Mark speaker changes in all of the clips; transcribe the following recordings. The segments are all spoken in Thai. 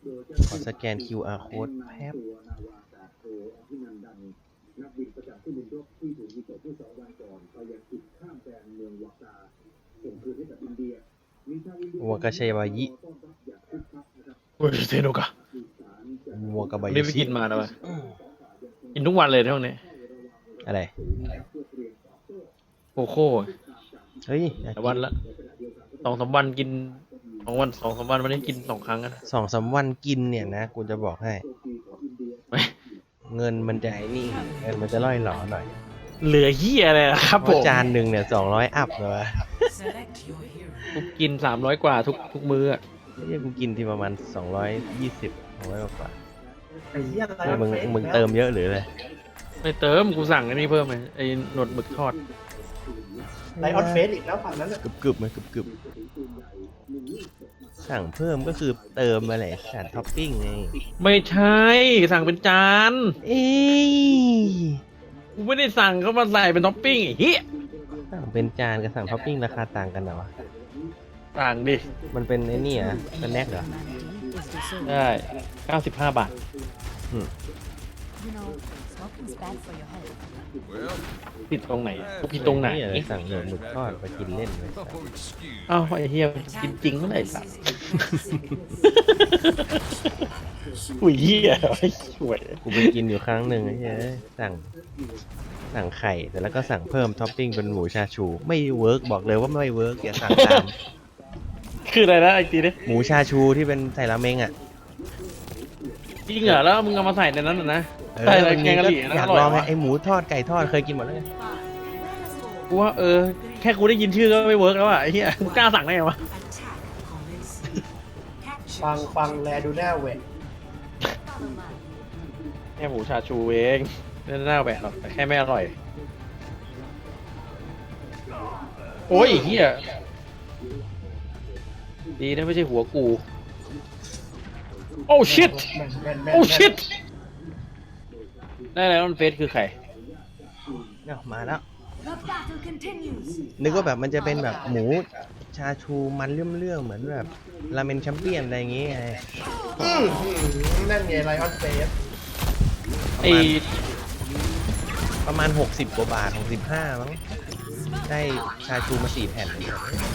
Speaker 1: ขอสแกน QR code แป๊บวัวกาชัยวายิ
Speaker 2: โอ้ยเซโนกะ
Speaker 1: วัวกาบา
Speaker 2: วัน
Speaker 1: ย
Speaker 2: นี้ไป
Speaker 1: ชิ
Speaker 2: กินมาแล้ววะกินทุกวันเลยเท่านี้
Speaker 1: อะไร
Speaker 2: โคโค่
Speaker 1: เฮ้ย
Speaker 2: แต่วันละ2-3 วันกิน2-3 วันวันนี้กิน2 ครั้งนะ
Speaker 1: 2-3 วันกินเนี่ยนะกูจะบอกให้ เงินมันจะไอ้นี่เงินมันจะล่อยหลอหน่อย
Speaker 2: เหลือเหี้ยเลยครับ
Speaker 1: เพ
Speaker 2: ผ
Speaker 1: ราะ
Speaker 2: ม
Speaker 1: จานหนึ่งเนี่ย200 อัพเลยวะ
Speaker 2: กูกิน300 กว่าทุกมื้ออะ
Speaker 1: เฮ้ยกูกินที่ประมาณ220 200กว่า
Speaker 3: ไอ้เหี้ยอะไร
Speaker 1: มึงเติมเยอะหรืออะไร
Speaker 2: ไม่เติมกูสั่งอันนี้เพิ่มเลยไอ้หนวดหมึกทอด
Speaker 3: ไลออนเฟสอีกแล้วฝั่งนั้นน่ะ
Speaker 1: กึบไหมกึบสั่งเพิ่มก็คือเติมมาแหละสารท็อปปิ้งไง
Speaker 2: ไม่ใช่สั่งเป็นจาน
Speaker 1: เอ้ย
Speaker 2: กูไม่ได้สั่งเขามาใส่เป็นท็อปปิ้งไอ้เหี้ย
Speaker 1: สั่งเป็นจานกับสั่งท็อปปิ้งราคาต่างกันเหรอวะ
Speaker 2: ต่างดิ
Speaker 1: มันเป็นไอ้นี่เหรอ่ะเป็นแน็กเหรอ
Speaker 2: ได้95 บาท
Speaker 4: You know, smoking's bad for your health.
Speaker 2: ผิดตรงไหนกูผิดตรงไหน
Speaker 1: นี่อะไรสั่งหมูทอดไปกินเล่นเลย
Speaker 2: อ้าวไอ้เหี้ยกินจริงเมื่อไหร่สัสอุ้ยเหี้ยไอ้ช่วย
Speaker 1: กูไปกินอยู่ครั้งหนึ่งไอ้เหี้ยสั่งไข่แต่แล้วก็สั่งเพิ่มท็อปปิ้งเป็นหมูชาชู ไม่เวิร์กบอกเลยว่าไม่เวิร์กอย่าสั่งตาม
Speaker 2: คืออะไรนะไอ้ทีนี้
Speaker 1: หมูชาชูที่เป็นใส่ราเมงอ่ะ
Speaker 2: จริงเหรอแล้วมึงเอามาใส่ในนั้นน่ะนะ
Speaker 1: เออ
Speaker 2: ใส่อะไร
Speaker 1: มัน
Speaker 2: แกงกะหรี่นะ
Speaker 1: อยา
Speaker 2: อก ร่อย
Speaker 1: ลองไง
Speaker 2: วะ
Speaker 1: ไอหมูทอดไก่ทอดเคยกินหมดแล้วไง
Speaker 2: กูว่าแค่กูได้ยินชื่อก็ไม่เวิร์กแล้วอ่ะไอ้เหี้ยกูกล้าสั่งได้ไงวะ
Speaker 3: ฟังแลดูหน้าเวท
Speaker 2: แค่หมูชาชูเองไม่น่าแหวะหรอกแต่แค่ไม่อร่อยโอ้ยเหี้ยดีนะไม่ใช่หัวกูโอ้ชิต โอ้ชิตได้แล้วมันเฟซคือใคร
Speaker 1: เนี่ยมาแล้ว
Speaker 4: The battle continues.
Speaker 1: นึกว่าแบบมันจะเป็นแบบหมูชาชูมันเลื่อมๆเหมือนแบบราเมนแชมเปี้ยนอะไรอย่างเงี้ยไง
Speaker 3: นั่นไงไลออนเฟส
Speaker 2: ไอ้
Speaker 1: ประมาณ60 กว่าบาท65มั้งได้ชาชูมา4 แผ่นเลย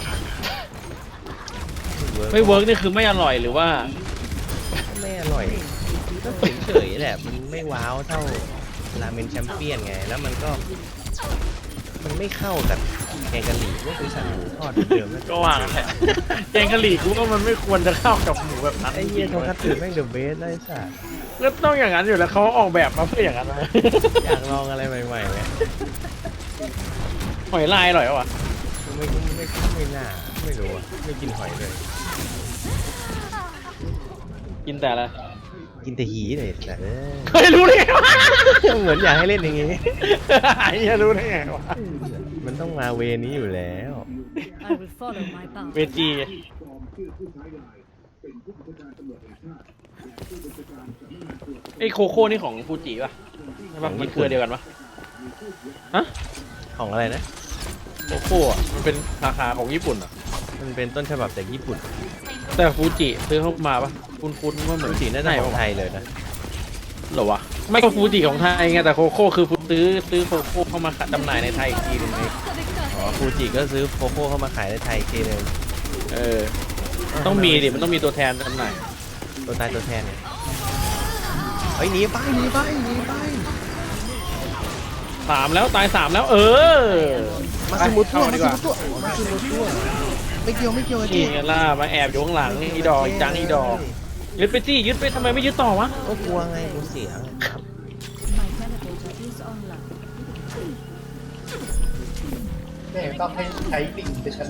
Speaker 2: ไม่เวิร์กนี่คือไม่อร่อยหรือว่า
Speaker 1: ไม่อร่อยก็เฉยๆแหละมันไม่ว้าวเท่าราเมนแชมเปี้ยนไงแล้วมันก็มันไม่เข้ากับแกงกะหรี่ก็คือสั่งหมูทอดเหมือนเดิมนั่น
Speaker 2: ก็ว่ากันแหละแกงกะหรี่กูว่ามันไม่ควรจะเข้ากับหมูแบบนั้น
Speaker 1: ไอ้เหี้ยทงคัตสึแม่งเดอะเบสได้สัส
Speaker 2: ก็ต้องอย่างนั้นอยู่แล้วเขาออกแบบมาเพื่ออย่างนั้นนะ
Speaker 1: อยากลองอะไรใหม่ๆไง
Speaker 2: หอยลายอร่อยวะ
Speaker 1: ไม่น่าไม่รู้อะไม่กินหอยเลย
Speaker 2: กินแต่ละ
Speaker 1: กินแต่หีเลยแต่
Speaker 2: เคยรู้ได้ไงวะ
Speaker 1: เหมือนอยากให้เล่นอย่างงี้
Speaker 2: ไอ้เหี้ยรู้ได้ไงวะ
Speaker 1: มันต้องมาเวนี้อยู่แล้ว
Speaker 4: I will follow my
Speaker 2: เว
Speaker 4: bounty.
Speaker 2: จีไอ้โคโค่นี่ของฟูจิป่ะใช่ป่ะมันเครือเดียวกันป่ะฮะ
Speaker 1: ของอะไรนะ
Speaker 2: โคโค่อะมันเป็นสาขาของญี่ปุ่นอ่ะ
Speaker 1: มันเป็นต้นฉบับจากญี่ปุ่น
Speaker 2: แต่ฟูจิซื้อเข้ามาป่ะคุ้นๆว่าเหมือน
Speaker 1: สีน่าจะของไทยเลยนะ
Speaker 2: เหรอวะไม่ก็ฟูจิของไทยไงแต่โคโค่คือซื้อโคโค่เข้ามาจำหน่ายในไทยอีกทีหนึงไง
Speaker 1: อ๋อฟูจิก็ซื้อโคโค่เข้ามาขายในไทยอีกทีนึง
Speaker 2: เออต้องมีดิมันต้องมีตัวแทนจำหน่าย
Speaker 1: ตัวตายตัวแทนเนี่ยเฮ้ยหนีไป
Speaker 2: 3แล้วตาย3แล้ว เออ
Speaker 1: มาสมุดตัว
Speaker 2: ไป
Speaker 1: มา
Speaker 2: ดี
Speaker 1: ส
Speaker 2: กว่า
Speaker 1: มุดตัวมาสมุดตัวไม่เกี่ยวไอ้
Speaker 2: นี่
Speaker 1: ที่
Speaker 2: ไงล่ะมาแอบอยู่ข้างหลังอีดอกอีจังอีดอกยึดไปสิยึดไปทำไมไม่ยึดต่อวะ
Speaker 1: ก็กลัวไงกูเสีย
Speaker 4: My validator is online.
Speaker 3: แม่งต้องให้ใช้ปิ่งไปชนะ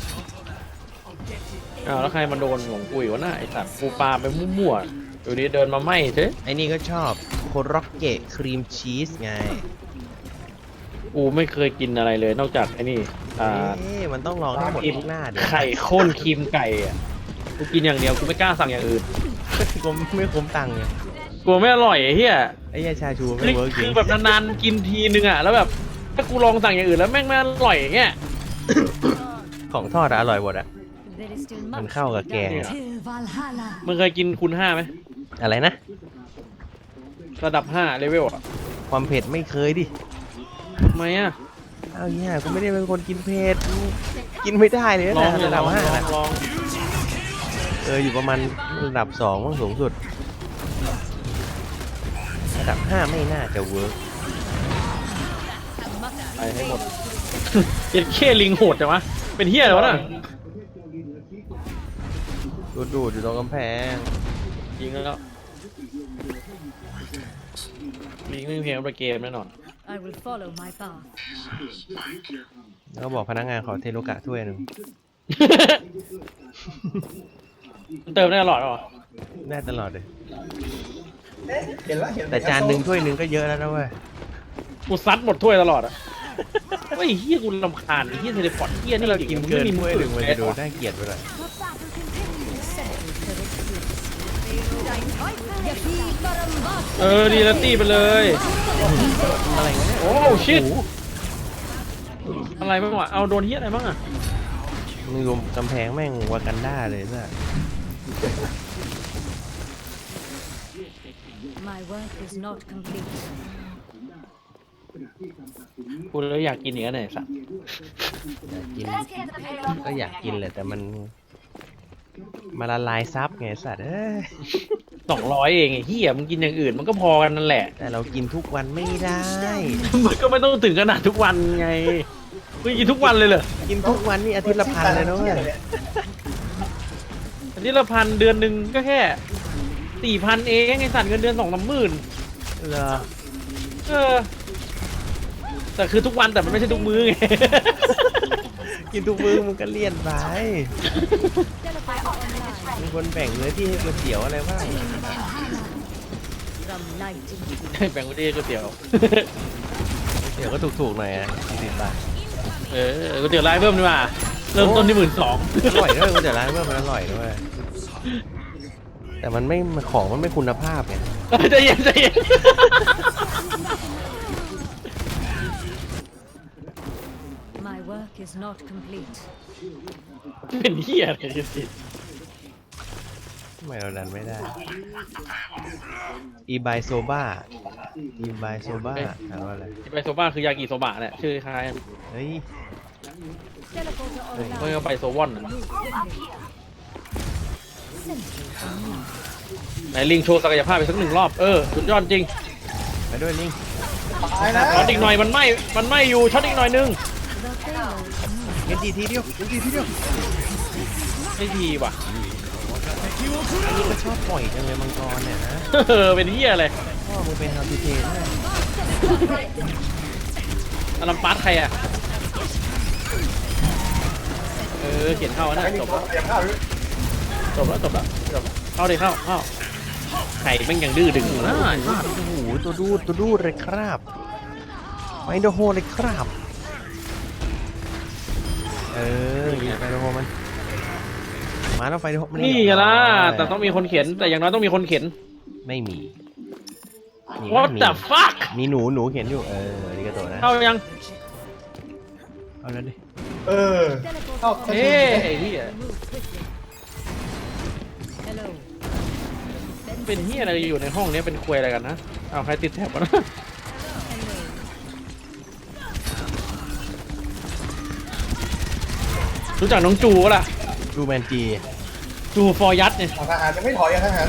Speaker 2: อ้าวแล้วใครมาโดนของกูอีกวะน่ะไอสัตว์กูปาไปมั่วๆอยู่ดีเดินมาไหม้เฉย
Speaker 1: ไอ้นี่ก็ชอบโคร็อกเกะครีมชีสไง
Speaker 2: กูไม่เคยกินอะไรเลยนอกจากไอ้นี่
Speaker 1: มันต้องลองให้หมดทุกหน้าดิ
Speaker 2: ไข่ข้นครีมไก่อ่ะกูกินอย่างเดียวกูไม่กล้าสั่งอย่างอื่น
Speaker 1: กูไม่คุ้มตังค์ไง
Speaker 2: กลัวไม่อร่อยไอ้เหี้ย
Speaker 1: ไอ้ยาชาชูไม่
Speaker 2: นี่
Speaker 1: เวิร์กจริ
Speaker 2: คื
Speaker 1: ง
Speaker 2: อแบบนานๆกินทีนึงอ่ะแล้วแบบถ้ากูลองสั่งอย่างอื่นแล้วแม่งไม่อร่อยอย่างเงี้ย
Speaker 1: ของทอดอะอร่อยหมดอะ
Speaker 4: There is still
Speaker 1: มัน
Speaker 4: much
Speaker 1: เข้ากับแกง
Speaker 4: till Valhalla.
Speaker 2: มึงเคยกินคูณ5ไหม
Speaker 1: อะไรนะ
Speaker 2: ระดับ5เลเวลอ่ะ
Speaker 1: ความเผ็ดไม่เคยดิ
Speaker 2: ทำไมอ่ะ
Speaker 1: อ้าวเนี่ยกูไม่ได้เป็นคนกินเผ็ดกินไม่ได้เลย
Speaker 2: ลอง
Speaker 1: นะ
Speaker 2: เลย
Speaker 1: ระดับห้า
Speaker 2: ลอง
Speaker 1: อยู่ประมาณระดับ2มั้งสูงสุด ระดับ5ไม่น่าจะเวิร์ก
Speaker 2: ไปให้หมด เจ็ดเคลิงโหดจังวะเป็นเฮียอะไรวะน่ะ
Speaker 1: ดูดอยู่ตรงกำแพง
Speaker 2: ยิงแล้วมีเรื่องเพลงประเกมแน่นอน
Speaker 4: I will follow my path.
Speaker 1: แล้วก็บอกพนักงานขอเทโลกะถ้วยหนึ่ง
Speaker 2: มันเติมได้ตลอดเหรอ
Speaker 1: ได้ตลอดเลย
Speaker 3: เห็นแล้วเห็น
Speaker 1: แต่จานหนึ่งถ้วยหนึ่งก็เยอะแล้วนะเว้ย
Speaker 2: กูซัดหมดถ้วยตลอดอ่ะเฮ้ยเฮียกูรำคาญเฮียเทเลพอร์ตเฮียนี่
Speaker 1: ถ้าเรากินเกินถ้วยหนึ่งมันจะดู
Speaker 2: ได้
Speaker 1: น่าเกลียดไปหน่อย
Speaker 2: ดีแล้วตีไปเลย
Speaker 1: อะไรวะเนี่ย
Speaker 2: โอ้ชิตอะไรบ้างวะเอาโดนเฮียอะไรบ้างอ่ะ
Speaker 1: มึงรวมกำแพงแม่งวากันด้าเลยซะ
Speaker 4: My work is not complete.
Speaker 2: กูเลยอยากกินอย่างนั้นไหนสัตว์
Speaker 1: อยากกินก็อยากกินแหละแต่มันมาละลายซับไงสัตว์เอ้ย
Speaker 2: 200เองไอ้เฮียมึงกินอย่างอื่นมันก็พอกันนั่นแหละ
Speaker 1: แต่เรากินทุกวันไม่ได้
Speaker 2: มันก็ไม่ต้องถึงขนาดทุกวันไงมึงกินทุกวันเลยเหรอ
Speaker 1: กินทุกวันนี่อาทิตย์ละพันเลยนะเว้ย
Speaker 2: อาทิตย์ละ1,000เดือนหนึ่งก็แค่4,000เองไอ้สัตว์เงินเดือน2-3 หมื่น
Speaker 1: เหรอ
Speaker 2: แต่คือทุกวันแต่มันไม่ใช่ทุกมื้อไง
Speaker 1: กินทุกมื้อมันก็เลี่ยนไปมีคนแบ่งเนื้อที่ให้ก๋วยเตี๋ยวอะไรบ้าง
Speaker 4: From night to
Speaker 2: แบ่งไปที่ก๋วยเตี๋ยว
Speaker 1: เดี๋ยวก็ถูกๆหน่อยอ่ะ40 บาท
Speaker 2: ก๋วยเตี๋ยวไร้เพิ่มดีกว่าเริ่มต้นที่12,000
Speaker 1: อร่อยด้วยก๋วยเตี๋ยวร้านเมื่อมันอร่อยด้วยแต่มันไม่ของมันไม่คุณภาพไง
Speaker 2: ใจเย็นใจเย็น
Speaker 4: My work is not complete.
Speaker 2: เป็นเหี้ยอะไรกันสิ
Speaker 1: ทำไมเราดันไม่ได้อีบายโซบ้าถามว่าอะไร
Speaker 2: ไปโซบ้าคือยากิโซบะเนี่ยชื่อคล้าย
Speaker 1: เฮ้ย
Speaker 4: Teleporter
Speaker 2: เมื่
Speaker 4: online.
Speaker 2: อไปโซวอนน่ะไหนลิงโชว์ศักยภาพไปสัก1 รอบสุดยอดจริง
Speaker 1: ไปด้วยลิง
Speaker 3: ตายแล้ว
Speaker 2: ช็อตอีกหน่อยมันไหม้อยู่ช็อตอีกหน่อยนึง
Speaker 4: The payload.
Speaker 1: เงินทีเดียว
Speaker 2: ไม่ทีว่ะ
Speaker 1: อันนี้ก็ชอบปล่อยจังเลยมังกรเนี่ยนะ
Speaker 2: เป็นเหี้ยอะไร
Speaker 1: พ่อมึงเป็นฮาพิเทนเนี่ย
Speaker 2: อลัมปาร์ตใครอ่ะเขียนเข้านะจบแล้ว
Speaker 3: เตรียมข้าวด้วย
Speaker 2: เข้าดิเข้าไข่แม่งยังดื้อดึงอยู่นะ
Speaker 1: โอ้โหตัวดูดเลยครับไฟโดโฮเลยครับยิงไฟโดโฮมันมาแล้วไฟโดโฮมั
Speaker 2: นี่ไงล่ะแต่ต้องมีคนเขียนแต่อย่างน้อยต้องมีคนเขียน
Speaker 1: ไม่มี
Speaker 2: What the fuck
Speaker 1: มีหนูเขียนอยู่นี่ก็ตัวนะ
Speaker 2: เข้ายัง
Speaker 1: เอาแล้วดิ
Speaker 3: เข้า
Speaker 2: เอ้ไอ้เหี้ย
Speaker 4: Move quickly. Hello.
Speaker 2: เป็นเหี้ยอะไรอยู่ในห้องนี้เป็นควยอะไรกันนะเอาใครติดแท็บวะนะ
Speaker 4: Hello.
Speaker 2: รู้จักน้องจูปะล่ะ
Speaker 1: ดูแมนจี
Speaker 2: จูฟอร์ยัดเนี่ย
Speaker 3: ทหารยังไม่ถอยทหาร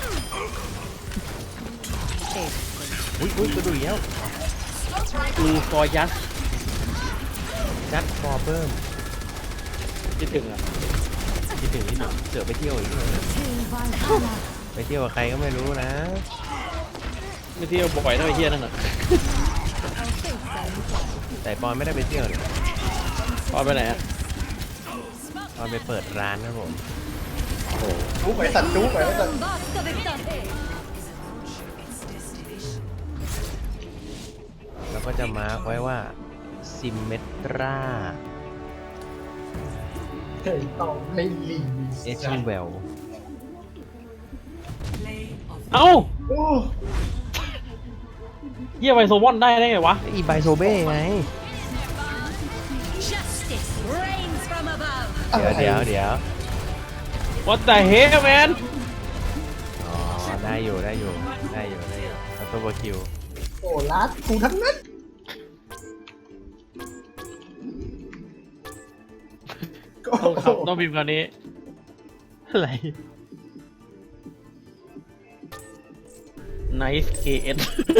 Speaker 1: อุ้ยตัวดูอีกแล้ว
Speaker 2: จูฟอร์ยัด
Speaker 1: จัดฟอร์เบิร์ม
Speaker 2: คิดถึงอ่ะ
Speaker 1: คิดถึงเสือไปเที่ยวอีก
Speaker 4: Till Valhalla.
Speaker 1: ไปเที่ยวกับใครก็ไม่รู้นะ
Speaker 2: ไม่เที่ยวบ่อยนะไอ้เหี้ยนั่นน่ะ
Speaker 4: Our fates are in play.
Speaker 1: แต่ปอนไม่ได้ไปเที่ยวเลย
Speaker 2: ตอนไปไหนอ่ะ
Speaker 1: ปอนไปเปิดร้านนะผม
Speaker 3: จุ๊บไปสัตว์จุ๊บไปสัตว์
Speaker 4: Basta victate.
Speaker 1: แล้วก็จะมาร์คไว้ว่าซิมเมตรา
Speaker 3: ต้องให้ลิง
Speaker 1: เอชิเวล
Speaker 2: เอ้า
Speaker 3: โอ้
Speaker 2: เหี้ยไปโซวอนได้ไงวะ
Speaker 1: อีไบโซเบ้ไง
Speaker 4: Justice reigns from above.
Speaker 1: เดี๋ยว
Speaker 2: What the hell man
Speaker 1: อ๋อได้อยู่ได้อยู่ได้อยู่ได้อยู่อัตโตบคิว
Speaker 3: โอ้ลัดกูทั้งนั้น
Speaker 2: ต้องพิมพ์คำนี้
Speaker 1: อะไร
Speaker 2: Nice KS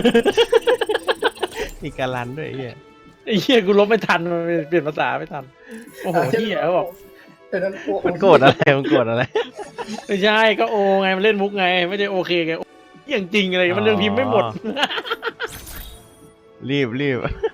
Speaker 1: มีการันด้วยไอ้เหี้ย
Speaker 2: ไอ้เหี้ยกูลบไม่ทันมันเปลี่ยนภาษาไม่ทัน โอ้โหเหี้ยเขาบอก
Speaker 3: เป็นนั้นโอ้
Speaker 1: มันโกรธอะไรมันโกรธอะไร
Speaker 2: ไม่ใช่ก็โอไงมันเล่นมุกไง ไม่ได้โอเคไงอย่างจริงอะไรมันยังพิมพ์ไม่หมด
Speaker 1: รีบ